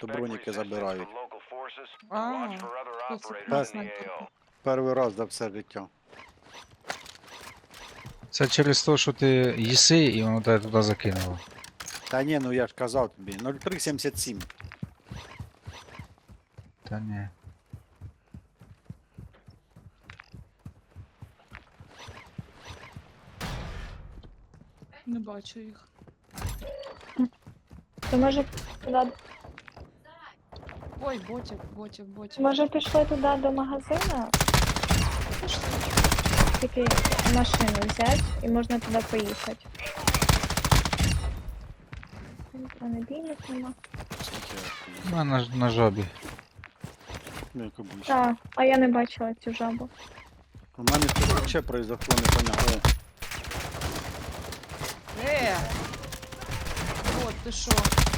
то броніки забирають. А, хто це Так. снайпер? Перший раз за все життя. Це через те, що ти їси і воно тебе туди закинуло. Та ні, ну я ж казав тобі, 0377. Та ні. Не бачу їх. То може туди, Ой, ботів. може пішли туди до магазину? Тільки машину взяти і можна туди поїхати. А надійник нема. У мене на жабі. Ну, як обично. Так, а я не бачила цю жабу. У мене тут ще произошло непонятно. От ти що?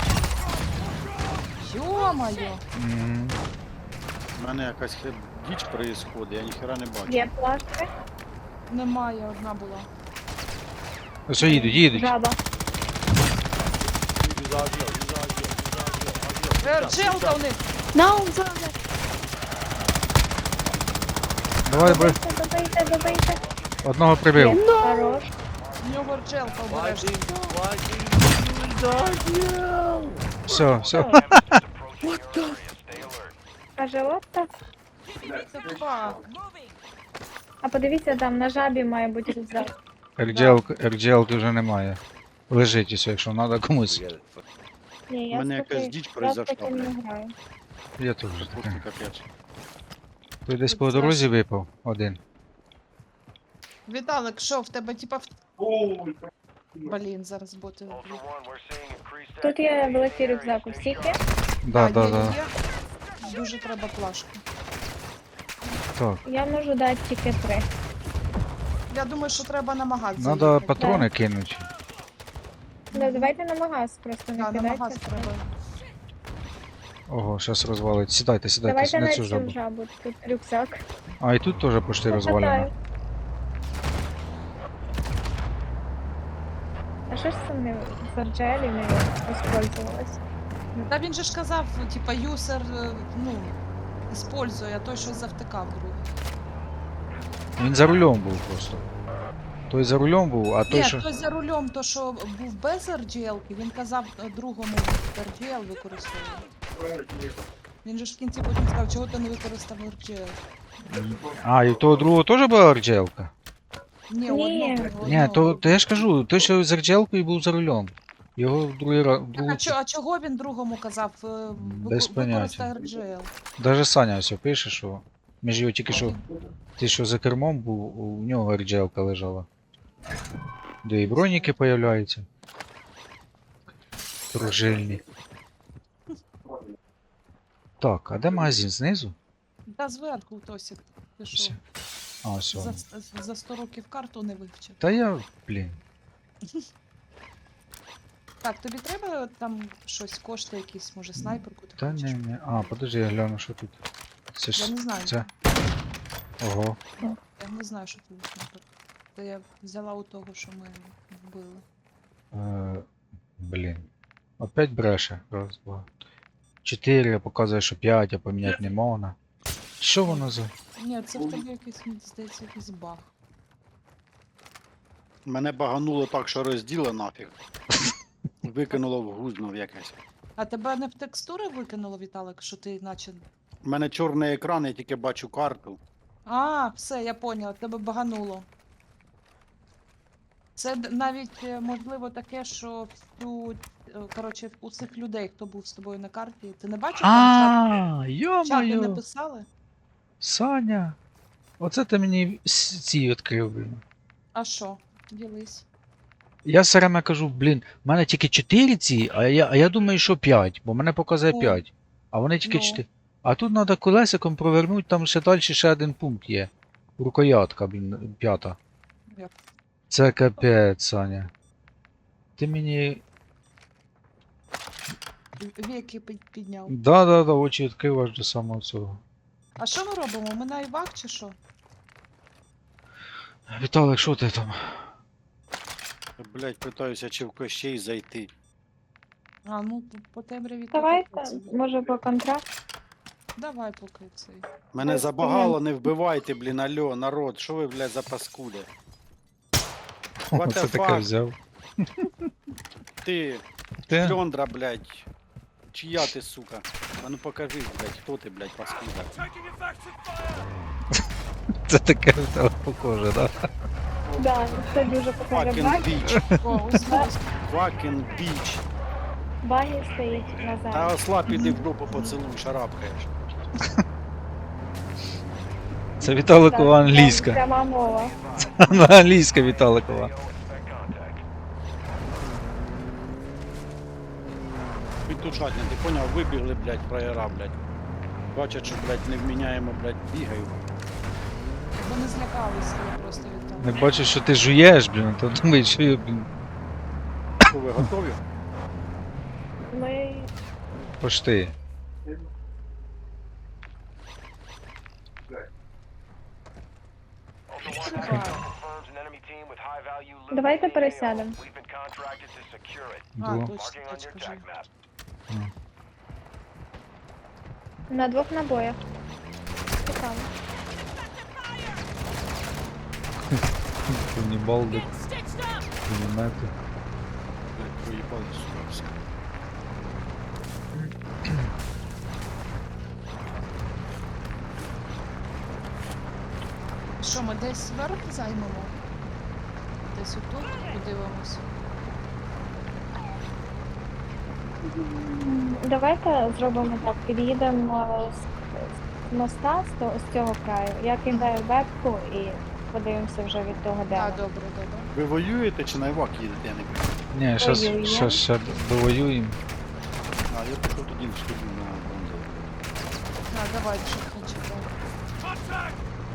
Йо-моє! Мгм. У мене якась діч происходить, я ніхера не бачу. Є пластик, Немає, одна була. Ось їдуть. жаба. Джилка у них! Наум, зараз! Давай, бро. Добийте. Одного прибив. Хорош. У нього джелка обережно. Все. Каже, Лотта. Це фак. А подивіться, там на жабі має бути рюкзак. RGL вже немає. Лежить усе, якщо треба комусь. Ні, У я мене з якась таким- діч я з произошла, таким не блядь. граю. Я теж Просто таке. капець. Той десь по дорозі випав один. Віталик, що в тебе типа Блін, зараз боти. вб'ють. Тут є великий рюкзак у всіх є. Да. Є. Дуже треба плашку. Так. Я можу дати тільки 3. Я думаю, що треба на магаз Надо заїхати. патрони кинути. Ну, давайте на магаз, просто не Да, на магаз кидайте. треба. Ого, зараз розвалить. Сідайте Давайте на на цю цю жабу. жабу. Тут рюкзак. А, і тут теж почти розвалено. Покатаю. А що ж це не з Арджелі не використовувалось? Та він же ж казав, типа, юсер, использує, а той щось завтикав другий. Він за рулем був просто. Той за рулем був, а той Ні, що. той за рулем, то що був без RGL, він казав другому RGL використовує. Він же ж в кінці потім сказав, чого ти не використав RGL. А, і у того другого теж була RGL-ка? Ні, Ні. одного. Ні, то я ж кажу, той, що з RGL-кою був за рулем. Його в другий раз. А чого він другому казав Без використай поняття. RGL? Даже Саня ось пише, що. Між його тільки що. Ти що за кермом був, у нього RGL-ка лежала. Де і броніки появляються. Пружильні. Так, а де магазин? Знизу? Та зверху, Тосік. Ти що? Все. А, все. За 100 років карту не вивчив. Та я, блін. Так, тобі треба там щось, кошти якісь, може снайперку ти Та хочеш? ні. А, подожди, я гляну, що тут. Це Я ж. не знаю. Це. Ого. Я не знаю, що тут снайперка. Та я взяла у того, що ми вбили. Блін. Опять бреше. Раз, два. 4, показує, що 5, а поміняти не можна. Що воно за. Ні, це в тебе якийсь, мені здається, якийсь баг. Мене багануло так, що розділо нафіг. Викинуло в гузно в якесь. А тебе не в текстури викинуло, Віталик, що ти наче. У мене чорний екран, я тільки бачу карту. А, все, я поняла, тебе багануло. Це навіть можливо таке, що коротше, у цих людей, хто був з тобою на карті, ти не бачив там А, чати не йо-моє. писали? Саня. Оце ти мені ці відкрив, блін. А що? Ділись. Я все время кажу, блін, в мене тільки 4 ці, а я думаю, що 5, бо мене показує Ну. 5. А вони тільки Ну. 4. А тут треба колесиком провернути, там ще далі ще один пункт є. Рукоятка, блін, 5. Як? Це капець, Саня. Ти мені. Віки підняв. Да, очі відкрив аж до самого цього. А що ми робимо? Ми на івак чи що? Віталик, що ти там? Блять, питаюся, чи в Кощей зайти. А, ну по темряві то Давайте, таке собі. може по контракт. Давай поки цей. Мене Ой, забагало, не вбивайте, блін, алло, народ, що ви, блядь, за паскуди? What Оце the таке fuck? взяв. Ти, Ти? Льондра, блядь. Чия ти, сука? А ну покажи, блядь, хто ти, блядь, паскуда. Це таке в тебе похоже, да? Да, це дуже покаже Fucking баг. bitch, О, узнав. fucking bitch. Баги стоїть Та назад. осла піди в групу поцілуй, шарапкаєш. Це Віталикова англійська. Пряма мова. На англійська Віталикова. Підтушать, ти поняв, вибігли, блядь, фраєра, блядь. Бачать, що, блядь, не вміняємо, блядь, бігають. Вони злякалися, я просто від того. Не бачу, що ти жуєш, блін, то думаю, що я, блін, Що, ви готові? Ми пошти. Давайте пересядемо. А, Ду. точно, точка же. На 2 набоях. Цікаво. Канібалди, пулемети. Блядь, проїбали сюди все. Що, ми десь верх займемо? Десь отут подивимось. Давайте зробимо так. Під'їдемо з моста, з цього краю. Я кидаю вебку і подивимося вже від того А, дерева. добре, добре. Ви воюєте чи на івак їдете, я не пам'ятаю. Ні, щас, Воюємо. щас ще довоюємо. А, я пішов тоді сходив на бронзу. А, давай, щоб не чекав.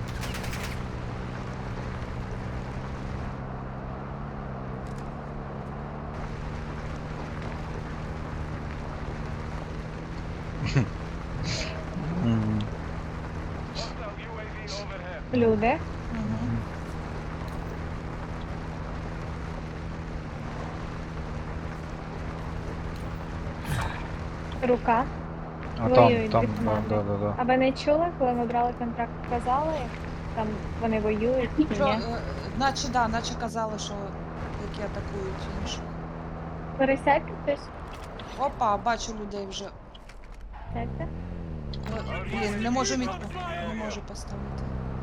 Мгм. Люди. Угу. Рука. А там, Воюють там, дві да, команди. да, да, да. А ви не чули, коли ми брали контракт, казали, там вони воюють чи Що, ні? наче, да, наче казали, що які атакують іншу. Пересядьте хтось. Опа, бачу людей вже. Сядьте. Блін, не можу мітку. Не можу поставити.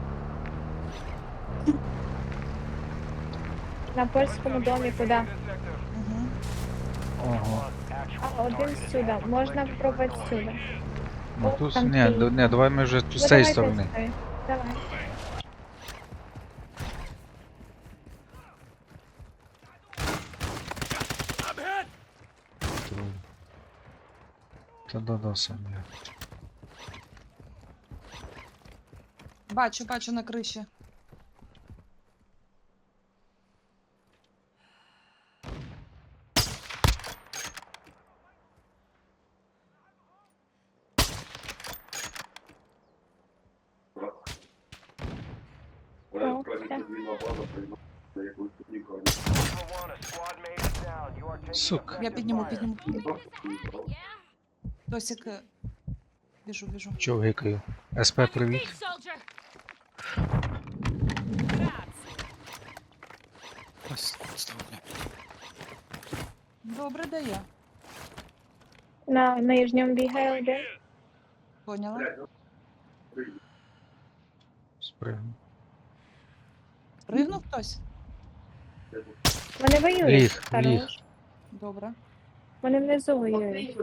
На польському домі куди? Угу. Ого. А, один сюди. Можна спробувати сюди. Ну О, тут, там ні, стоїть. ні, давай ми вже тут Ну, з цієї давайте сторони. сюди. Давай. Та да, сам я. Бачу, бачу на криші. О, все. Сука. Я підніму. Тосик. Біжу. Чого гикаю? СП, привіт. Паскудство, блядь. Добре дає. На нижньому бігає один. Поняла? Спригну. Спригнув хтось? Вони воюють. Ліг, Хорош. ліг. Добре. Вони внизу воюють.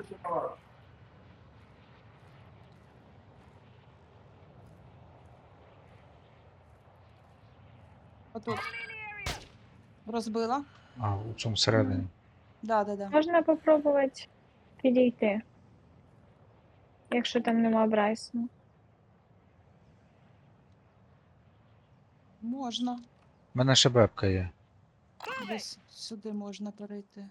Отут. Розбила. А, у цьому всередині. Да. Можна попробувати підійти. Якщо там нема Брайсона. Можна. У мене ще бебка є. Десь сюди можна перейти.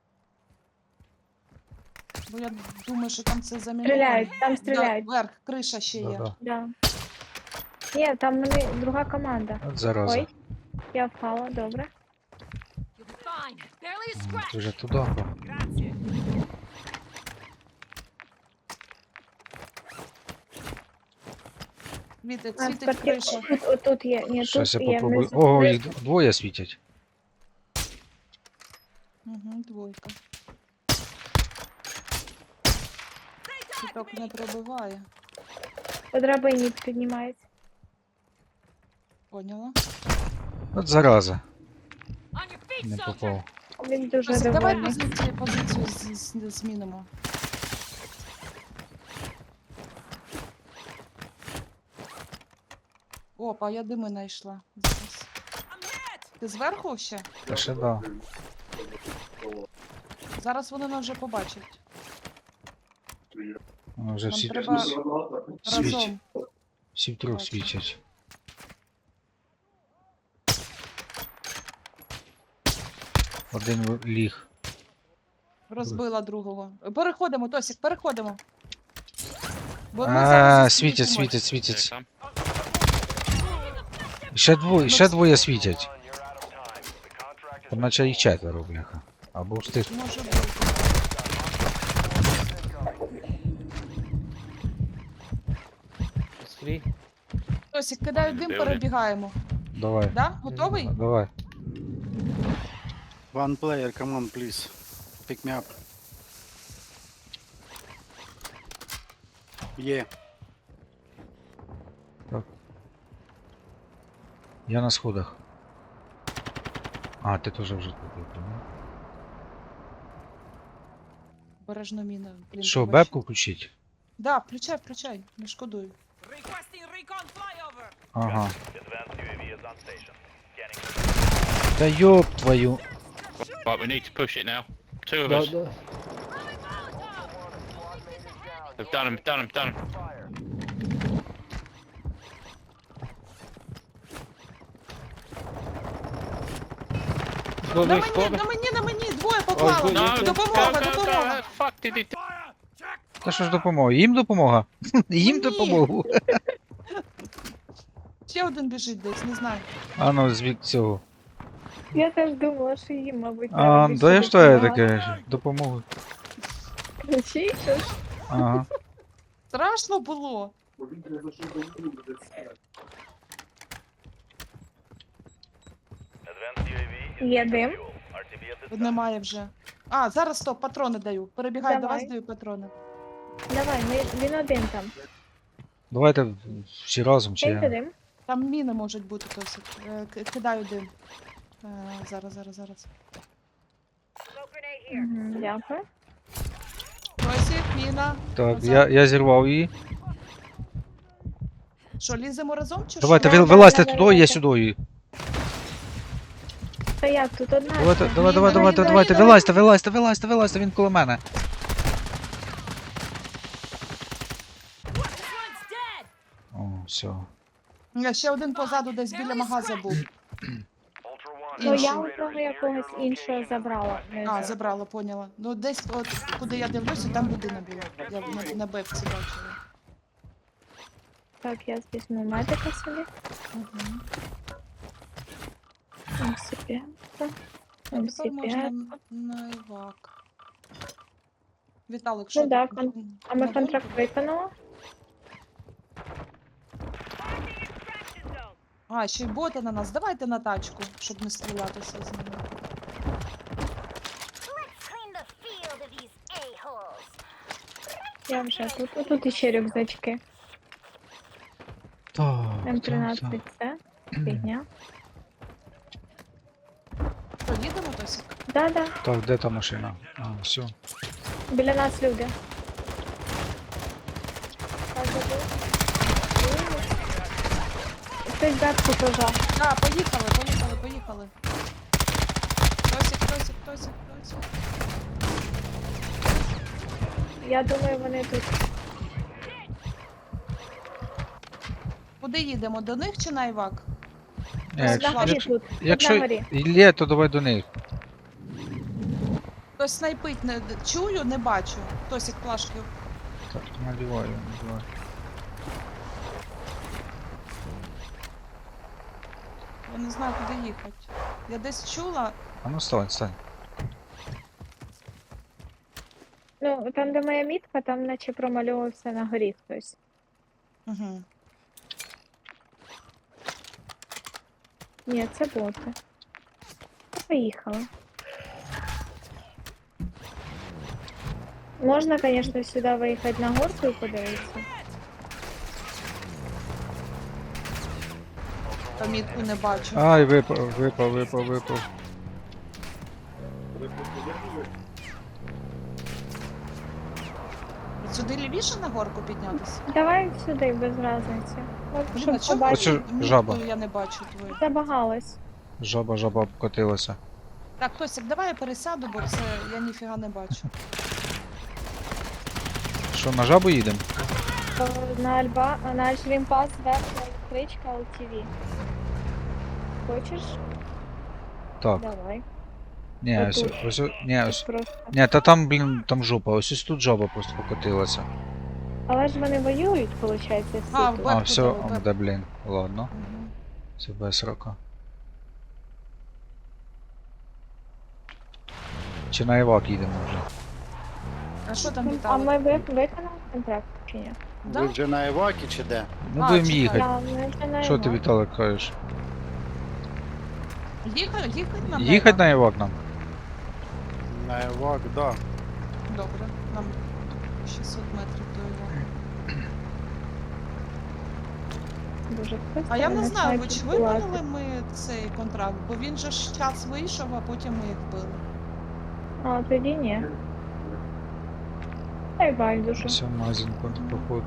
Бо я думаю, що там це заміновано. Стріляють, там стріляють. Да, верх, криша ще є. Да-да. Да. Ні, там вони друга команда. От зараза. Ой, я впала, добре. Ти вже туди. Світить, А, світить тепер криша. отут є. Ні, Щас тут я є. попробую. внизу. Ого, їх двоє світять. Угу, двойка. Світок не пробиває. По драбині піднімається. Поняла? От зараза. Не попав. Він дуже Тосик, давай довольний. позицію змінимо. Опа, я дими знайшла. Зараз. Ти зверху ще? Та ще да. Зараз вони нас вже побачать. Вони вже Нам всі, треба світять. разом. Всі втрьох Бачу. світять. Один ліг. Розбила другого. Переходимо, Тосик, переходимо. Бо ми А, зараз світять, зустрінемось. світять, Here світять. come. Ще двоє світять. Там наче їх четверо, бляха. Або встиг. Може бути. Тосик, кидаю дим, Де вони? перебігаємо. Давай. Да? Готовий? Давай. One player, come on, please. Pick me up. Є. Я на сходах. А, ти теж вже тут. я понял. Бережно міна. Блін, Що, побачу. бебку включить? Да, включай, включай, не шкодуй. Ага. Та ёб твою. Right, we need to push it now. Two of us. They've done him, done him, done him. На мені, на мені, двоє поклало. No, Допомога, go, go, допомога. go. Fuck did he do? Та що ж допомога? Їм допомога? Їм Ні. допомогу. Ще один біжить десь, не знаю. А ну, звід цього. Я теж думала, що їм, мабуть, А, треба більше да я що я допомагати. таке? Допомогу. Ключі, що ж? Ага. Страшно було. Є дим. Немає вже. А, зараз стоп, патрони даю. Перебігаю до Давай. вас, даю патрони. Давай, він один там. Давайте всі разом чи Киньте я. дим. Там міни можуть бути досить. Кидаю дим. Зараз. Мгм, дякую. Тосик, міна. Так, Назад. я зірвав її. Що, ліземо разом чи Давайте, що? Да, вилазьте да, туди, я давайте. сюди. Та як, тут одна. Давайте, ще. давайте, вилазьте, він коло мене. О, все. Ще один позаду десь біля магаза був. Ну я Інший. одного якогось іншого забрала. Не А, знаю. забрала, поняла. Ну десь, от, куди я дивлюся, там людина була. Я на бепці бачила. Так, я візьму медика собі. Угу. МС5. А тепер можна МС5. на івак. Віталик, що Ну да, ти? А ми На контракт бомбу? виконали? А, ще й боти на нас. Давайте на тачку, щоб не стрілятися з ними. Clean the field of these a-holes. Я вже тут. Тут іще рюкзачки. Так, М13 це. Фігня. Що, їдемо, Тосик? Да-да. Так, де та машина? А, все. Біля нас люди. Так, забув. Хтось бабку пожав. А, поїхали. Тосик. Я думаю, вони тут. Куди їдемо? До них чи на івак? Якщо, На горі якщо, тут. Тут якщо на горі. є, то давай до них. Хтось снайпить, не чую, не бачу. Тосик плашки. Так, надіваю. Я не знаю, куди їхати. Я десь чула. А ну стань. Ну, там, де моя мітка, там наче промальовувався на горі хтось. Угу. Ні, це боти. Поїхали. Можна, звісно, сюди виїхати на горку і подивитися. Помітку не бачу. Ай, випав. Сюди лівіше на горку піднятися? Давай сюди, без різниці. От, Блін, щоб а чому побачити. Оцю мітку жаба. я не бачу твою? Забагалась. Жаба обкотилася. Так, Тосик, давай я пересяду, бо це я ніфіга не бачу. Що, на жабу їдемо? На Альшрімпас верхня електричка LTV. Хочеш? Так. Давай. Ні, ось, Отут. ні, Тут ось. просто. Ні, та там, блін, там жопа. Ось тут жаба просто покотилася. Але ж вони воюють, виходить, всі А, тут. Вебку А, все, дали, вебку. де, блін. Ладно, Мгм. це без рока. Чи на Івак їдемо вже? А що там А Віталик? ми виконали контракт чи ні? Да? Ви вже на Івакі чи де? Ну, А, будемо чекай. їхати. Так, ми вже на Що ти, Івак. Віталик, кажеш? Їхать нам Їхать треба? на Івак нам? На Івак, да. Добре, нам 600 метрів до його. Дуже хтось А я там не знаю, ви якісь чи була. виконали ми цей контракт, бо він же ж час вийшов, а потім ми їх били. А, тоді ні. Та й байдуже. Все, магазин походу.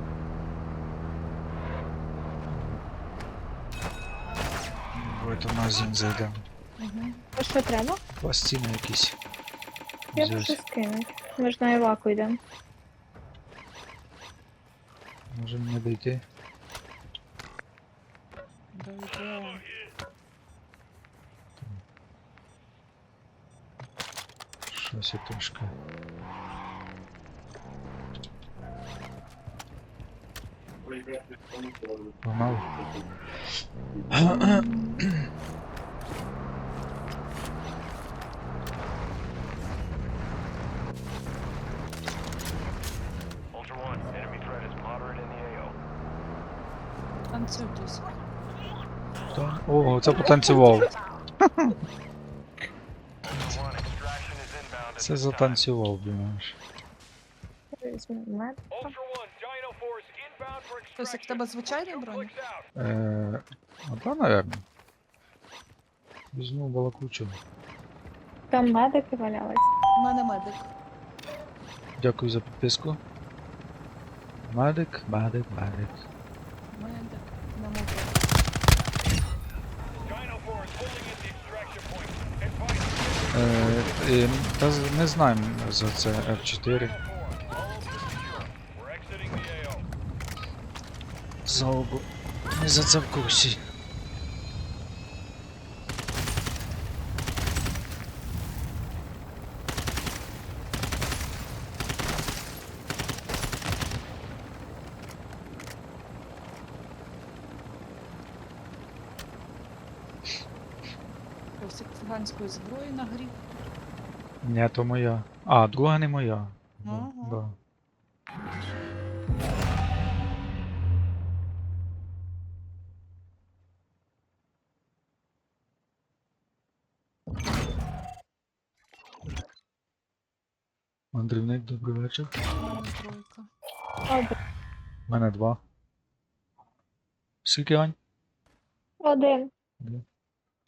Давайте в магазин зайдемо. Угу. А що треба? Пластини якісь. Я Взяти. можу скинути. Ми ж на Іваку йдемо. Може мені дойти? Дойде. Щось я трошки. Погнали. Ultra One, enemy threat is moderate in the AO. Танцюй, Тосик. О, це потанцював. Ultra One, extraction is inbound at Це this time. затанцював, думаєш. Візьмемо мед. Ultra One, Dino Force inbound for Тосик, в extraction. тебе звичайний Two бронь? clicks out. А та, наверно. Візьму балакучу. Там медики валялись. У мене медик. Дякую за підписку. Медик. Медик на мову. Dino Force holding at the extraction point. Advise Та не знаємо за це F4. Dino 4. All secure. We're exiting the AO. Залбу. Не за це в курсі. Тосик циганської зброї нагрів. Ні, то моя. А, друга не моя. Да, Ага. да. Мандрівник, добрий вечір. У мене тройка. У мене 2. Скільки, Ань? Один. Два.